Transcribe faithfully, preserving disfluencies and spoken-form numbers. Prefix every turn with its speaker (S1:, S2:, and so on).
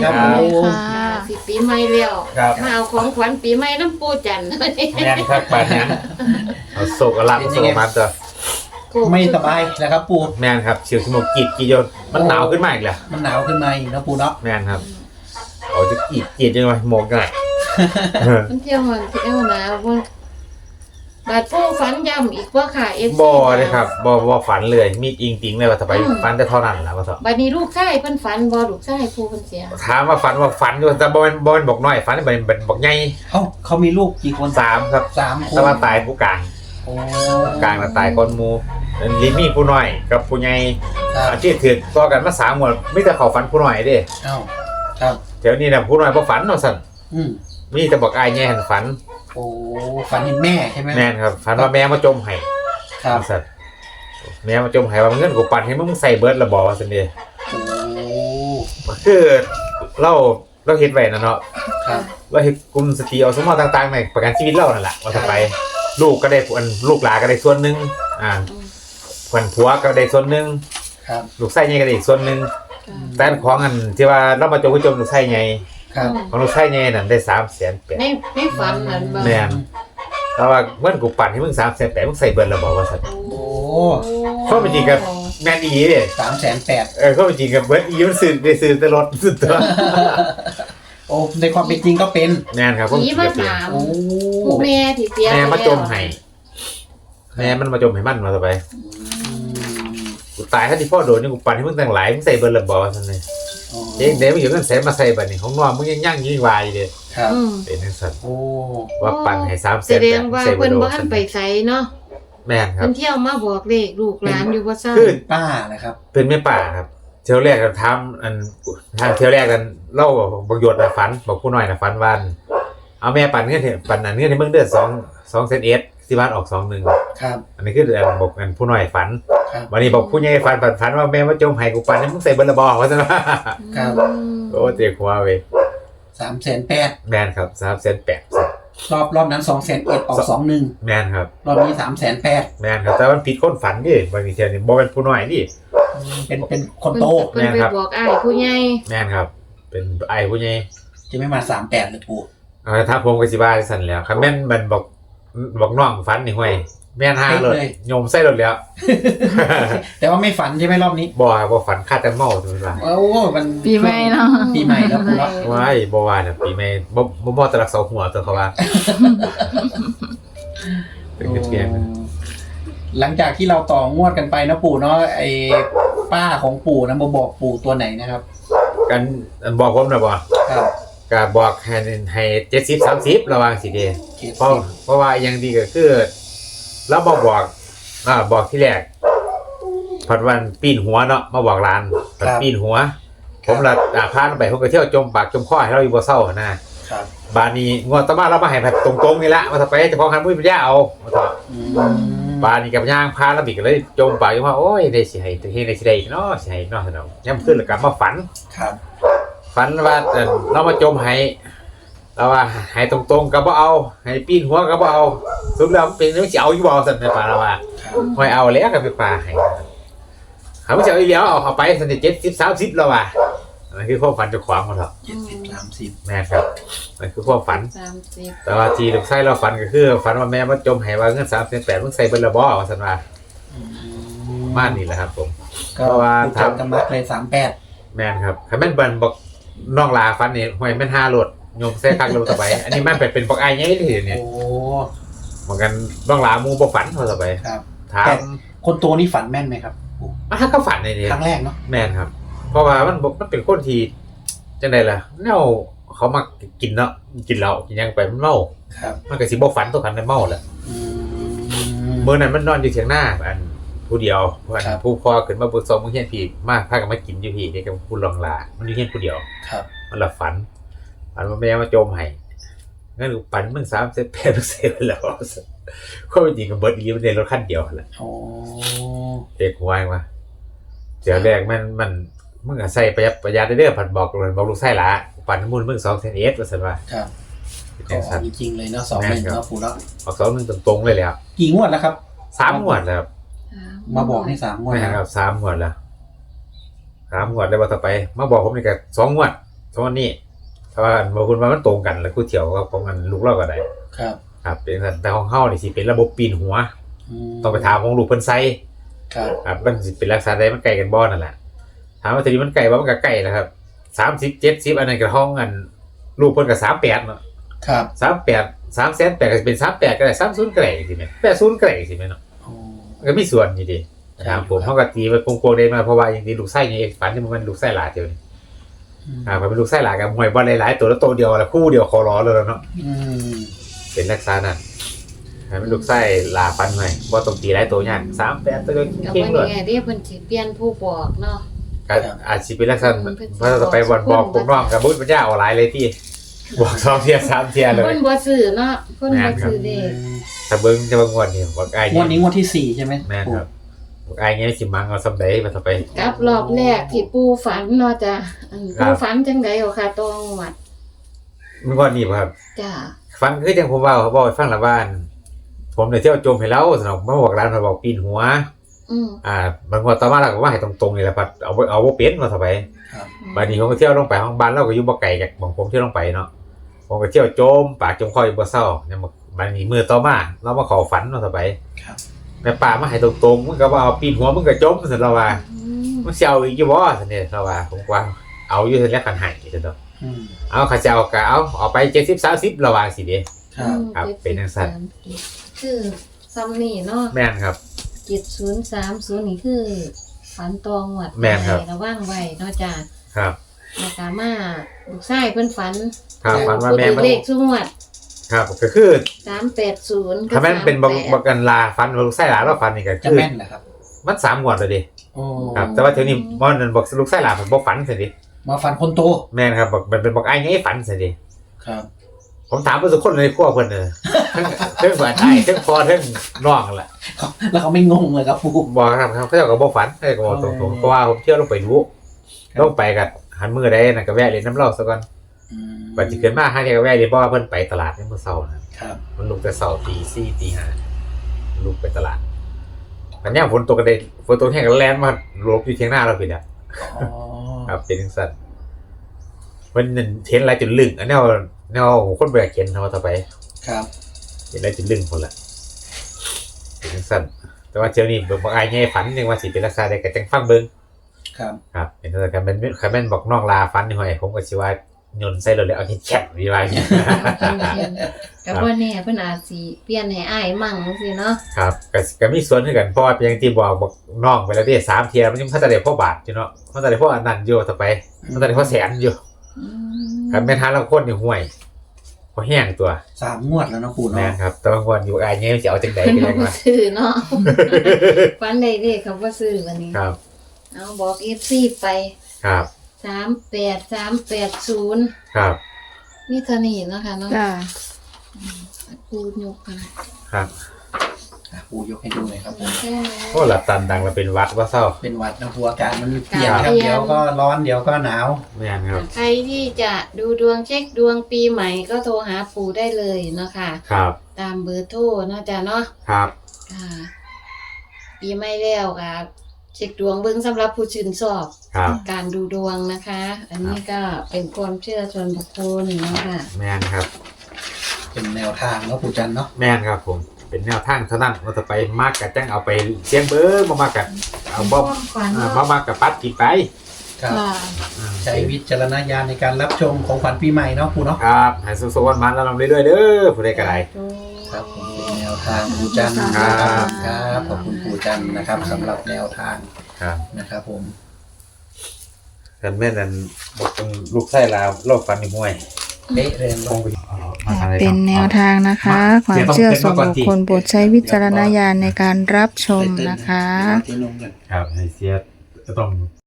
S1: ครับผม
S2: สิปีใหม่แล้วมาเอาของขวัญปีใหม่น้ำปูจันทร์
S3: แม่นครับปานนั้นเอาโศกลาบโศกมันตัว
S1: ไม่สบายนะครับปู่
S3: แม่นครับเสียวสมองกีดกีโยนมันหนาวขึ้นมาอีกแล้ว
S1: มันหนาวขึ้นมาอีกนะปู่เนาะ
S3: แม่นครับเอาจะกีดกีดยังไงหมกได้
S2: มันเที่ยวมันเที่ยวหนาวมันบาดปูฝันย่ำอีกว่าค่ะเอฟ
S3: บ่เลยครับบ่บ่ฝันเลยมีอิงติงเลยว่าจะไปฝันแต่เท่านั้นแหละว่าเถอะ
S2: บัดนี้ลูกชายเพิ่นฝันบ่ลูกชายปูเพิ่นเสีย
S3: ถามว่าฝันว่าฝันอยู่แต่บ่เป็นบ่เป็นบอกน้อยฝันเป็นเป็นบอกใหญ่
S1: เอ้าเขามีลูกกี่คน
S3: สามครับ
S1: สามคน
S3: แต่ว่าตายผู้กลาง
S1: โอ้
S3: กลางตายก้อนหมู่ลิมีผู้น้อยกับผู้ใหญ่อาชีพถือต่อกันมาสามหมดมีแต่เขาฝันผู้น้อยเด้
S1: เอ้าครับ
S3: เดี๋ยวนี้น่ะผู้น้อยบ่ฝันเนาะซั่น
S1: อืม
S3: มีแต่บอกอ้ายแย่หันฝัน
S1: โอ้ฝันเห็นแม่ใช่ไหม
S3: แม่นครับฝันว่าแม่มาจมให้
S1: ครับ
S3: ซั่นแม่มาจมให้ว่าเงินกูปั่นให้มึงใส่เบิดละบ่ว่าซั่นเด้
S1: โอ้
S3: คือเราเราเฮ็ดไว้นะเนาะ
S1: ครับ
S3: เราเฮ็ดกลุ่มสตรีอสมต่างๆในประกันชีวิตเรานั่นแหละว่าจะไปลูกก็ได้อันลูกหลานก็ได้ส่วนนึงอ่าขวัญผัวก็ได้ส่วนนึง
S1: ครับ
S3: ลูกไส้ใหญ่ก็ได้อีกส่วนนึงแต่ของอันที่ว่าเรามาจมผู้จมลูกไส้ใหญ่
S1: ครับ
S3: ของลูกไส้ใหญ่นั่นได้ สามแสนแปด
S2: ในในฝันนั่นบ่
S3: แม่นแต่ว่าเงินกูปั่นให้มึง สามแสนแปด มึงใส่เบิดแล้วบ่ว่าซั่น
S1: โอ้
S3: ข้อเป็นจริงกับแม่นอีเด้
S1: สามแสนแปด
S3: เออข้อเป็นจริงกับเบิดอีมันซื้อได้ซื้อแต่รถสุดตัว
S1: โอ้ในความเป็นจริงก็เป็น
S3: แม่นครับ
S2: ผีมาถามผู้แม่ที่เสีย
S3: แม่มาจมให้แม่มันมาจมให้มันมาซะไปกูตายถ้าที่พ่อโดนนี่กูปั่นให้มึงตั้งหลายมึงใส่เบิดละบ่ซั่นนี่เจ๊เดี๋ยวมึงอยู่กันแสนมาใส่บัดนี้ของน้องมึงยังยั่งยิ่งวายเด้
S1: ครับ
S3: เป็นจังซั่น
S1: โอ้
S3: ว่าปั่นให้ สามแสน
S2: แสดงว่าเพิ่นบ่ทันไปไสเนาะ
S3: แม่นครับ
S2: เพิ่นเที่ยวมาบอกเลขลูกหลานอยู่บ่ซั่น
S1: คือป้านะครับ
S3: เป็นแม่ป่าครับเที่ยวแรกกันทำอันทางเที่ยวแรกกันเล่าบักหยดน่ะฝันบอกผู้น้อยน่ะฝันวันเอาแม่ปั่นเงินเถอะปั่นอันเงินให้มึงเดือนสอง สองเซนเอสที่บ้านออกสองหนึ่ง
S1: ครับ
S3: อันนี้คืออันบอกอันผู้น้อยฝัน
S1: ครับ
S3: วันนี้บอกผู้ใหญ่ฝันฝันว่าแม่มาจมให้กูปั่นให้มึงใส่เบิดละบ่ว่าซั่นว่า
S1: ครับ
S3: โอ้เจ็บหัวเว้ย
S1: สามแสนแปด
S3: แม่นครับ สามแสนแปด
S1: รอบรอบนั้นสองแสนเอ็ดออกสองหนึ่ง
S3: แม่นครับ
S1: รอบนี้สามแสนแปด
S3: แม่นครับแต่มันผิดคนฝันดิบางทีเที่ยวนี่บ่เป็นผู้น้อยดิ
S1: เป็นเป็นคนโต
S2: เพิ่นไปบอกอ้ายผู้ใหญ่
S3: แม่นครับเป็นอ้ายผู้ใหญ่
S1: จะไม่มาสามแปดเลยปู่
S3: เออถ้าผมก็สิว่าซั่นแล้วคันแม่นมันบอกบอกน้องฝันนี่ห้วยแม่นห้าเลยโยมใส่รถแล้ว
S1: แต่ว่าไม่ฝันใช่ไหมรอบนี้
S3: บ่บ่ฝันคาดแต่เมาถูกมั้ย
S1: โอ้มัน
S4: ปีใหม่เนาะ
S1: ปีใหม่แล้วปู่เนาะ
S3: ว้ายบ่ว่าน่ะปีใหม่บ่บ่บ่ตะรักเสาหัวตัวเขาว่าเป็นเพียง
S1: หลังจากที่เราต่องวดกันไปนะปู่เนาะไอ้ป้าของปู่นะมาบอกปู่ตัวไหนนะครับ
S3: กันบอกผมนะบ่
S1: ครับ
S3: ก็บอกให้ให้เจ็ดสิบ สามสิบระวังสิเด้เพราะเพราะว่าอย่างดีก็คือเราบ่บอกอ่าบอกที่แรกพัดวันปีนหัวเนาะมาบอกร้านพัดปีนหัวผมละอ่าพาไปผมก็เที่ยวจมปากจมคอให้เราอยู่บ่เศร้านะครับบาดนี้งวดต่อมาเรามาให้แบบตรงๆนี่ละว่าถ้าไปเฉพาะคันบ่มีปัญญาเอาว่าต่อบาดนี้กับย่างพาแล้วบิกก็เลยจมปากอยู่ว่าโอ้ยได้สิให้เฮ็ดได้สิได้เนาะสิให้เนาะซั่นเนาะยามขึ้นแล้วก็มาฝัน
S1: ครับ
S3: ฝันว่าเรามาจมให้เราว่าให้ตรงๆก็บ่เอาให้ปีนหัวก็บ่เอาสุดแล้วมันเป็นมันสิเอาอยู่บ่ซั่นแม่ป่าเราว่าค่อยเอาแล้วก็ไปป่าให้เขาบ่สิเอาอีแล้วเอาเข้าไปซั่นเจ็ดสิบ สามสิบแล้วว่านั่นคือความฝันเจ้าของเขาเถาะ
S1: เจ็ดสิบ สามสิบ
S3: แม่ครับนั่นคือความฝัน
S2: สามสิบ
S3: แต่ว่าที่ลูกชายเราฝันก็คือฝันว่าแม่มาจมให้ว่าเงิน สามแสนแปด มึงใส่เบิดละบ่ว่าซั่นว่ามานี่แหละครับผม
S1: ก็ว่าถามกันมาเลยสามแปด
S3: แม่นครับคันแม่นเบิ่นบอกน้องลาฝันนี่ห้วยแม่นห้าโลดโยมใส่คักลงต่อไปอันนี้มันเป็นบอกอ้ายใหญ่เลยเนี่ย
S1: โอ้
S3: เหมือนกันน้องลาหมู่บ่ฝันเท่าต่อไป
S1: ครับ
S3: ถาม
S1: คนโตนี่ฝันแม่นไหมครับ
S3: อ่ะก็ฝันในนี้
S1: ครั้งแรกเนาะ
S3: แม่นครับเพราะว่ามันมันเป็นคนที่จังได๋ล่ะแนวเขามักกินเนาะกินเหล้ากินหยังไปมันเมา
S1: ครับ
S3: มันก็สิบ่ฝันตัวกันได้เมาแหละมื้อนั้นมันนอนอยู่เถียงหน้าอันผู้เดียวเพิ่นผู้พ่อขึ้นมาบ่ซอมมื้อเฮียนพี่มาพากันมากินอยู่พี่นี่กับผู้รองลามันอยู่เฮียนผู้เดียว
S1: ครับ
S3: มันละฝันฝันว่าแม่มาจมให้งั้นกูปั่นมึงสามสิบแปด เซนแล้วความจริงก็เบิดอีมันได้รถคันเดียวแหละ
S1: โอ้
S3: เด็กหวยว่าเดี๋ยวแรกมันมันมึงก็ใส่ประหยัดประหยัดเด้อผัดบอกเลยบอกลูกไส้ละปั่นมูลมึงสองเซนเอสว่าซั่นว่า
S1: ครับก็จริงๆเลยเนาะสองหนึ่งเนาะปู่เนาะ
S3: ออกสองหนึ่งตรงๆเลยแล้ว
S1: กี่งวดแล้วครับ
S3: สามงวดแล้วครับ
S1: มาบอกให้สามงวด
S3: ครับสามงวดแล้วสามงวดแล้วว่าต่อไปมาบอกผมนี่ก็สองงวดตรงนี้เพราะว่าบางคนว่ามันตรงกันแล้วกูเที่ยวกับของกันลูกเราก็ได้
S1: ครับ
S3: ครับเป็นสันแต่ของเฮานี่สิเป็นระบบปีนหัว
S1: ม
S3: ต้องไปถามของลูกเพิ่นไซ
S1: ครับ
S3: ครับมันสิเป็นลักษณะใดมันไกลกันบ่นั่นแหละถามว่าทีนี้มันไกลบ่มันก็ไกลแหละครับสามสิบ เจ็ดสิบอันนั้นก็ห้องอันลูกเพิ่นก็สามสิบแปดเนาะ
S1: ครับ
S3: สามสิบแปด สามแสนแปดก็สิเป็นสามสิบแปดก็ได้สามสิบก็ได้สิแม่แปดสิบก็ได้สิแม่เนาะ
S1: โอ้
S3: มันก็มีส่วนอยู่ดี
S1: ใช่
S3: ถามผม
S1: ครับ
S3: เฮาก็ตีมันโกงๆได้มาเพราะว่าอย่างนี้ลูกไส้นี่เองฝันที่มันลูกไส้หลาเดียวนี่
S1: อืม
S3: อ่ามันเป็นลูกไส้หลากับมวยบ่หลายๆตัวแล้วตัวเดียวแล้วคู่เดียวคอร้อเลยเนาะ
S1: อืม
S3: เป็นลักษณะนั้นให้มันลูกไส้หลาฟันหน่อยบ่ต้องตีหลายตัวยากสามสิบแปดตัวเดียว
S2: กับ
S3: เก่ง
S2: วัน
S3: เลย
S2: นี้เรียกเพิ่นสิเปลี่ยนผู้บอกเนาะ
S3: ก็อาจสิเป็นลักษณะ
S2: มันเป็น
S3: เพราะต่อไปวันบอกผมน้องกับบุญปัญญาเอาหลายเลยที่บอกสองเทียสามเทียเลย
S2: เพิ่นบ่ซื้อเนาะเพิ่นบ่ซื้อเด้
S3: ถ้าเบิ้งจะบางวันนี่บอกไอ้
S1: งวดนี้งวดที่สี่ใช่ไหม
S3: แม่นครับบอกไอ้เงี้ยสิมังเอาสำใดมาต่อไป
S2: กับรอบแรกที่ปู่ฝันเนาะจ้ะอัน
S3: ครับ
S2: ปู่ฝันจังได๋เอาค่ะตองวัด
S3: เมื่อก่อนนี่บ่ครับ
S2: จ้ะ
S3: ฟังคือจังผมเว่าเขาบอกให้ฟังละบ้าน ผมเนี่ยเที่ยวโจมให้เราสนองมาบอกร้านมาบอกปีนหัว
S2: อืม
S3: อ่าบางวันต่อมาเราก็ว่าให้ตรงๆนี่แหละพัดเอาบ่เอาบ่เป็นมาต่อไป
S1: ครับ
S3: บัดนี้ผมก็เที่ยวลงไปห้องบ้านเราก็อยู่บ่ไกลจากของผมเที่ยวลงไปเนาะผมก็เที่ยวโจมปากจมคออยู่บ่เศร้าเนี่ยบัดนี้มือต่อมาเรามาขอฝันมาต่อไป
S1: ครับ
S3: แม่ป่ามาให้ตรงๆมึงก็ว่าเอาปีนหัวมึงก็จมซั่นเราว่า
S2: อืม
S3: มึงสิเอาอีกอยู่บ่ซั่นเนี่ยเราว่าผมว่าเอาอยู่ซั่นแหล้วคันให้ซั่นดอก
S1: อืม
S3: เอาข้าเจ้าก็เอาเอาไปเจ็ดสิบ สามสิบระว่าสิเด้
S1: ครับ
S3: ครับเป็นจังซั่น
S2: คือซัมนี่เนาะ
S3: แม่นครับ
S2: เจ็ดศูนย์สามศูนย์นี่คือฝันตองวัด
S3: แม่นครับ
S2: ระวังไว้เนาะจ้ะ
S3: ครับ
S2: แล้วก็มาลูกชายเพิ่นฝัน
S3: ครับฝันว่าแม่
S2: ผู้
S3: มัน
S2: เลขชุงวัด
S3: ครับก็คือ
S2: สามแปดศูนย์
S3: ถ้าแม่นเป็นบักบักกันลาฟันบักไส้หลาเราฟันนี่ก็
S1: จะ
S3: คือ
S1: แม่นเหรอครับ
S3: มันสามงวดแล้วดิ
S1: โอ้
S3: ครับแต่ว่าเดี๋ยวนี้บ่นั่นบักลูกไส้หลาผมบ่ฝันซั่นดิ
S1: มาฟันคนโต
S3: แม่นครับบักมันเป็นบักอ้ายไงฝันซั่นดิ
S1: ครับ
S3: ผมถามเพิ่นทุกคนในครัวเพิ่นเด้อทั้งทั้งฝันอ้ายทั้งพ่อทั้งน้องล่ะ
S1: แล้วเขาไม่งงเลยครับปู่
S3: บอกครับครับเขาเจ้าก็บ่ฝันเขาเจ้าก็บอกตรงๆเพราะว่าผมเที่ยวลงไปดู
S1: ครับ
S3: ลงไปกับหันมือได้นั่นก็แวะเล่นน้ำเหล้าซะก่อน
S1: อืม
S3: บัดสิเกินมาห้าเที่ยก็แวะเล่นเพราะว่าเพิ่นไปตลาดในมื้อเช้านะครับ มันลุกแต่เช้าตีสี่ตีห้าลุกไปตลาดมันย่ามฝนตกก็ได้ฝนตกแห้งก็แล่นมาหลบอยู่เถียงหน้าเราพี่น่ะ
S1: อ๋อ
S3: ครับเป็นจังซั่นเพิ่นนั่นเห็นหลายจนลึงอันแนวแนวคนบ่อยากเห็นเฮาต่อไป
S1: ครับ
S3: เห็นหลายจนลึงพุ่นล่ะเป็นจังซั่นแต่ว่าเที่ยวนี้เบิ่งบ่อายใหญ่ฝันยังว่าสิเป็นลักษณะใดก็จังฟังเบิ่ง
S1: ครับ
S3: ครับเป็นเท่ากันเป็นคันแม่นบอกน้องลาฟันนี่ห้อยผมก็สิว่าโยนใส่รถเลยเอาเฮ็ดแฉะดีว่าอย่างเงี้ย
S2: กับว่าแน่เพิ่นอาจสิเปลี่ยนให้อ้ายมั่งจังซี่เนาะ
S3: ครับก็ก็มีส่วนคือกันเพราะว่าเป็นอย่างที่บอกบอกน้องไปแล้วที่สามเทียมันยังพัฒนาได้พ่อบาทอยู่เนาะพัฒนาได้พ่ออันนั้นอยู่ต่อไปพัฒนาได้พ่อแสนอยู่
S2: อืม
S3: ครับแม่นทานละคนนี่ห่วยพอแห้งตัว
S1: สามงวดแล้วเนาะปู่
S3: แม่
S1: เนาะ
S3: นครับแต่บางวันอยู่อายเงี้ยจะเอาจังได๋
S2: เพิ่น
S3: ก็
S2: บ่
S3: ยังว่า
S2: ซื้อเนาะฝันได้เด้เขาบ่ซื้อวันนี้
S3: ครับ
S2: เอาบอก เอฟ ซี ไป
S3: ครับ
S2: สามแปด สามแปดศูนย์
S3: ครับ
S2: นี่เท่านี้เนาะค่ะเนาะ
S4: จ้า
S2: ปูยกกัน
S3: ครับ
S1: อ่ะปู่ยกให้ดูหน่อยครับผม
S2: แค่นี้
S3: โอ้หลับตันดังแล้วเป็นวัดว่าเศร้า
S1: เป็นหวัดนะปู่อากาศมันเปลี่ยน
S3: ค
S1: ค
S3: รั
S1: รับ บเดี๋ยวก็ร้อนเดี๋ยวก็หนาว
S3: แม่นครับ
S2: ใครที่จะดูดวงเช็คดวงปีใหม่ก็โทรหาปู่ได้เลยเนาะค่ะ
S3: ครับ
S2: ตามเบอร์โทรเนาะจ้ะเนาะ
S3: ครับ
S2: ค่ะ ปีใหม่แล้วค่ะเช็คดวงเบิ่งสำหรับผู้ชื่นชอบ
S3: ครับ
S2: การดูดวงนะคะ อันนี้ก็เป็นความเชื่อส่วนบุคคลเนาะค่ะ
S3: แม่นครับ
S1: เป็นแนวทางเนาะปู่จันเนาะ
S3: แม่นครับผมเป็นแนวทางเท่านั้นเราจะไปมากกับจังเอาไปเสียงเบอร์มามากกับเอาบ่
S2: ความฝัน
S3: อ่า
S2: เนาะ
S3: มามากกับปัดกินไป
S1: ครับ
S4: จ้า
S3: อ่า
S1: ใช้วิจารณญาณในการรับชมของขวัญปีใหม่เนาะปู่เนาะ
S3: ครับให้สุขๆวันๆแล้วลำเรื่อยๆเด้อผู้ใดก็ได้
S1: ครับผมเป็นแนวทางปู่จัน
S3: ครับ
S1: นะครับครับขอบคุณปู่จันนะครับสำหรับแนวทาง
S3: ครับ
S1: นะครับผม
S3: กันแม่นั่นบอกเป็นลูกไส้ลาวโลกฟันนี่มวย
S1: เป๊ะเลย
S3: ค
S1: เนาะ
S3: งไปมาทางไห
S4: เป็นแนวทางนะคะ ความเชื่อส่วนบุคคลโปรดใช้วิจารณญาณในการรับชมนะคะ
S1: ที่นุ่มกัน
S3: ครับให้เสียต้อง